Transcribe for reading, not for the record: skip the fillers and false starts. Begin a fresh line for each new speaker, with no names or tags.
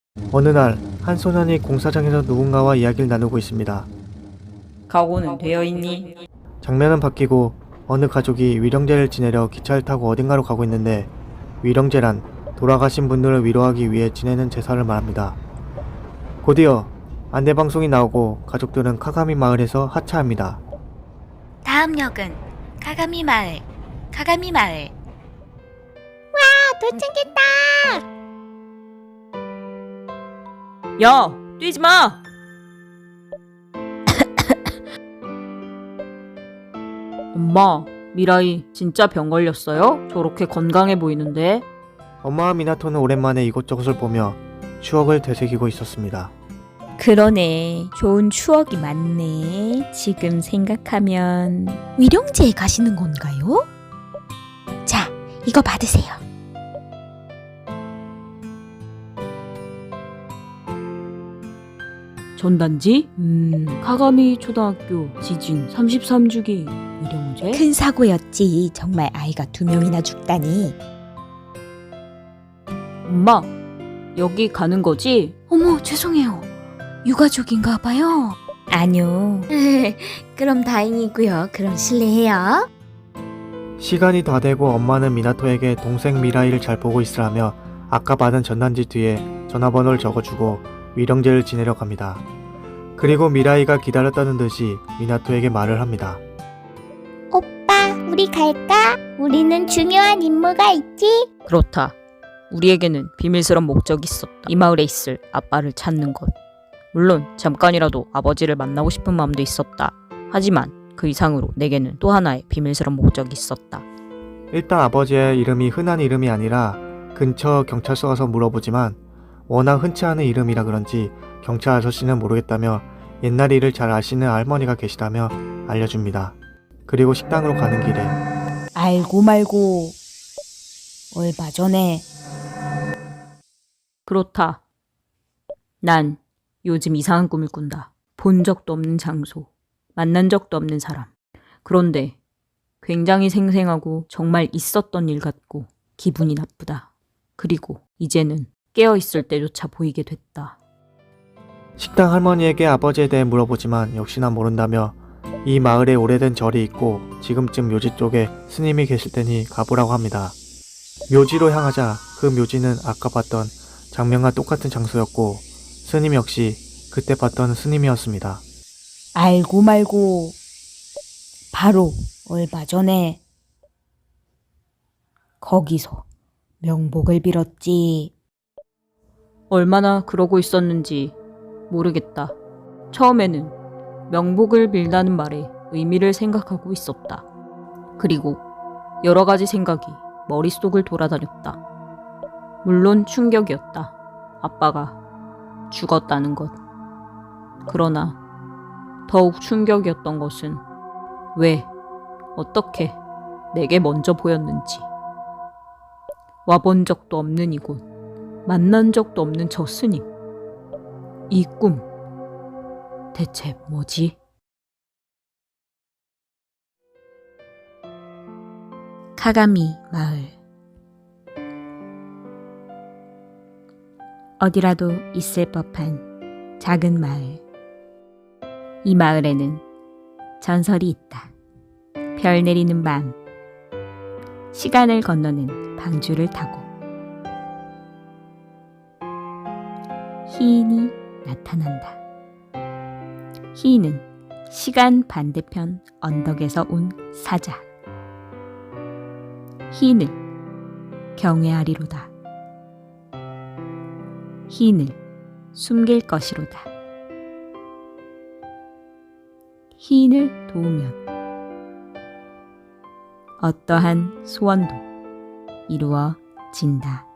어느 날 한 소년이 공사장에서 누군가와 이야기를 나누고 있습니다.
각오는 되어 있니?
장면은 바뀌고 어느 가족이 위령제를 지내려 기차를 타고 어딘가로 가고 있는데, 위령제란 돌아가신 분들을 위로하기 위해 지내는 제사를 말합니다. 곧이어 안내방송이 나오고 가족들은 카가미 마을에서 하차합니다.
다음 역은 카가미 마을, 카가미 마을. 도착했다!
야, 뛰지 마! 엄마, 미라이 진짜 병 걸렸어요? 저렇게 건강해 보이는데?
엄마와 미나토는 오랜만에 이곳저곳을 보며 추억을 되새기고 있었습니다.
그러네. 좋은 추억이 많네. 지금 생각하면 위령제에 가시는 건가요? 자, 이거 받으세요.
전단지? 카가미 초등학교 지진 33주기 위령제?
큰 사고였지. 정말 아이가 2명이나 죽다니.
엄마, 여기 가는 거지?
어머, 죄송해요. 유가족인가 봐요. 아니요. 그럼 다행이고요. 그럼 실례해요.
시간이 다 되고 엄마는 미나토에게 동생 미라이를 잘 보고 있으라며 아까 받은 전단지 뒤에 전화번호를 적어주고 위령제를 지내려 갑니다. 그리고 미라이가 기다렸다는 듯이 미나토에게 말을 합니다.
오빠, 우리 갈까? 우리는 중요한 임무가 있지?
그렇다. 우리에게는 비밀스런 목적이 있었다. 이 마을에 있을 아빠를 찾는 것. 물론 잠깐이라도 아버지를 만나고 싶은 마음도 있었다. 하지만 그 이상으로 내게는 또 하나의 비밀스런 목적이 있었다.
일단 아버지의 이름이 흔한 이름이 아니라 근처 경찰서 가서 물어보지만 워낙 흔치 않은 이름이라 그런지 경찰 아저씨는 모르겠다며 옛날 일을 잘 아시는 할머니가 계시다며 알려줍니다. 그리고 식당으로 가는 길에
알고 말고 얼마 전에
그렇다. 난 요즘 이상한 꿈을 꾼다. 본 적도 없는 장소, 만난 적도 없는 사람. 그런데 굉장히 생생하고 정말 있었던 일 같고 기분이 나쁘다. 그리고 이제는 깨어있을 때조차 보이게 됐다.
식당 할머니에게 아버지에 대해 물어보지만 역시나 모른다며 이 마을에 오래된 절이 있고 지금쯤 묘지 쪽에 스님이 계실 테니 가보라고 합니다. 묘지로 향하자 그 묘지는 아까 봤던 장면과 똑같은 장소였고 스님 역시 그때 봤던 스님이었습니다.
알고 말고 바로 얼마 전에 거기서 명복을 빌었지.
얼마나 그러고 있었는지 모르겠다. 처음에는 명복을 빌다는 말에 의미를 생각하고 있었다. 그리고 여러 가지 생각이 머릿속을 돌아다녔다. 물론 충격이었다. 아빠가 죽었다는 것. 그러나 더욱 충격이었던 것은 왜, 어떻게 내게 먼저 보였는지. 와본 적도 없는 이곳, 만난 적도 없는 저 스님. 이 꿈, 대체 뭐지?
카가미 마을. 어디라도 있을 법한 작은 마을. 이 마을에는 전설이 있다. 별 내리는 밤, 시간을 건너는 방주를 타고 희인이 나타난다. 희인은 시간 반대편 언덕에서 온 사자. 희인을 경외하리로다. 희인을 숨길 것이로다. 희인을 도우면 어떠한 소원도 이루어진다.